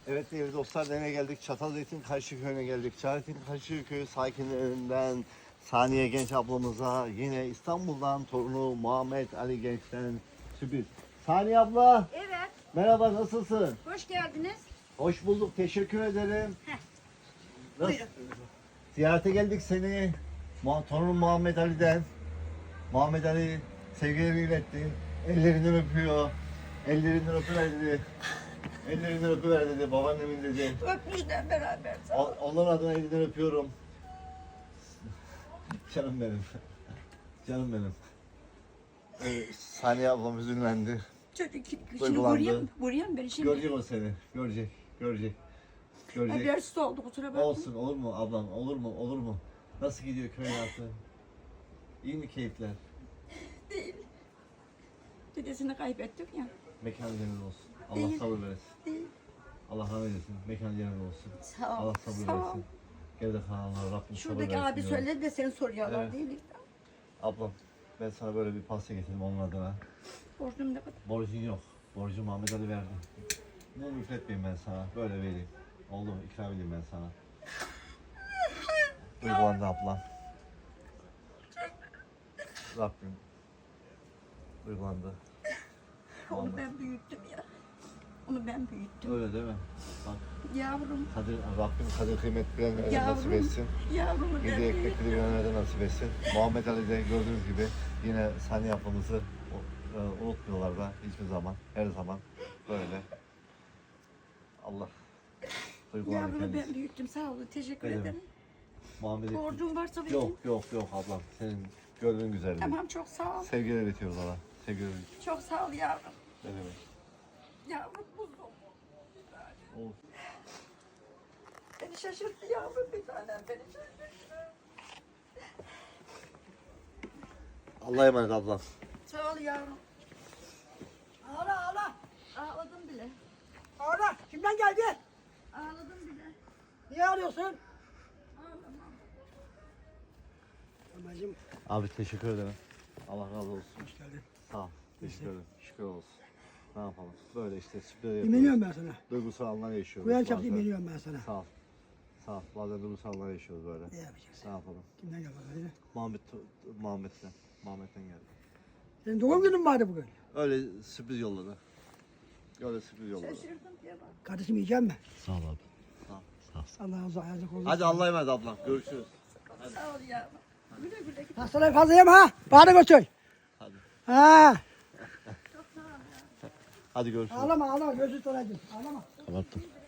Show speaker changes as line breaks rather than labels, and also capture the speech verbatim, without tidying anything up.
Evet değerli dostlar, nereye geldik? Çatalzeytin Karşıyaköy'üne geldik. Çatalzeytin Karşıyaköy sakinlerinden Saniye Genç ablamıza yine İstanbul'dan torunu Muhammed Ali Genç'ten sürpriz. Saniye abla,
Evet,
merhaba, nasılsın?
hoş geldiniz.
Hoş bulduk, teşekkür ederim.
Heh.
Nasıl?
Buyurun.
Ziyarete geldik seni. Mu- Torunum Muhammed Ali'den. Muhammed Ali sevgilerini iletti. Ellerinden öpüyor. Ellerinden öpüver dedi. Ellerinden öpüver dedi. Babaannemin dedi.
Öpmüşler beraber.
O- Onların adına elinden öpüyorum. Canım benim. Canım benim. Ee, Saniye ablam üzülmendi.
Çocuk şimdi
Duygulandı.
buraya mı? Buraya mı beni şimdi?
Görecek o seni. Görecek. Görecek. Görecek.
Habersiz oldu kusura bakma.
Olsun, olur mu ablam? Olur mu? Olur mu? Nasıl gidiyor köy hayatı? İyi mi keyifler?
Değil. Dedesini kaybettik ya.
Mekan cennet olsun. Allah
Değil.
sabır versin.
Değil.
Allah rahmet eylesin. Mekan cennet olsun.
Sağ ol.
Allah sabır
Sağ ol.
versin. Geride kalanlara Rabbim sabır
Şuradaki
versin.
abi
diyorum.
söyledi de seni soruyorlar
Evet.
değil mi?
Ablam, ben sana böyle bir pasta getirdim onun adına.
Borcum ne kadar?
Borcun yok. Borcu Muhammed Ali verdi. Bunu müfretmeyeyim ben sana. Böyle vereyim. Oldu mu? İkram edeyim ben sana. Duygulandı ablam. Rabbim. Duygulandı.
Onu
Muhammed.
ben büyüttüm ya. Onu ben büyüttüm.
Öyle değil mi? Bak,
Yavrum.
kadir, Rabbim kadir kıymet bilenlere nasip
Yavrum.
etsin.
Yavrumu ben
Yedi
büyüttüm.
ekmekli bilenlere nasip etsin. Muhammed Ali'de gördüğünüz gibi yine sahne yapımızı e, unutmuyorlar da hiçbir zaman. Her zaman böyle. Allah duygulanır
Yavrumu
kendisi.
ben büyüttüm. Sağ olun. Teşekkür
Ne demek?
ederim.
Muhammed'i
Borcum varsa benim.
yok yok yok ablam, senin gördüğün güzelliği.
Tamam çok sağ ol.
Sevgiler iletiyoruz ona. Sevgiler iletiyoruz.
Çok sağ ol yavrum.
Ne demek?
Yavrum buldum.
Olsun.
Beni şaşırttı yavrum bir tanem beni şaşırttı.
Allah'a emanet ablam.
Sağ ol yavrum.
Ağla ağla.
Ağladım bile.
Ağla. Kimden geldi?
Ağladım bile.
Niye ağlıyorsun?
Ağlamam.
Babacığım.
Abi teşekkür ederim. Allah razı olsun.
Hoş geldin.
Sağ ol. Teşekkür ederim. Şükür olsun. Ne yapalım? Böyle işte sürpriz yapıyoruz.
İmeniyorum ben sana.
Duygusal anlar yaşıyoruz.
Kuyan çaptı
bazen.
imeniyorum ben sana.
Sağ ol. Sağ ol. Bazen duygusal anlar yaşıyoruz böyle.
Ne yapacaksın?
Ne yapalım?
Kimden geldi? Hadi.
Muhammed, Muhammed'den. Muhammed'den geldi.
Senin doğum günün vardı bugün.
Öyle sürpriz yolladı. Öyle sürpriz yolladı.
Şaşırdım diye bak.
Kardeşim yiyeceğim mi?
Sağ ol abi. Sağ ol. Sağ ol.
Allah razı olsun.
Hadi Allah'a emanet ablam. Görüşürüz.
Sağ ol yavrum. Güle güle git.
Hastaları fazla yeme ha. Bana götür.
Hadi.
Ha.
Hadi görüşürüz.
Ağlama ağlama. Gözü tutacağım. Ağlama.
Kapattım.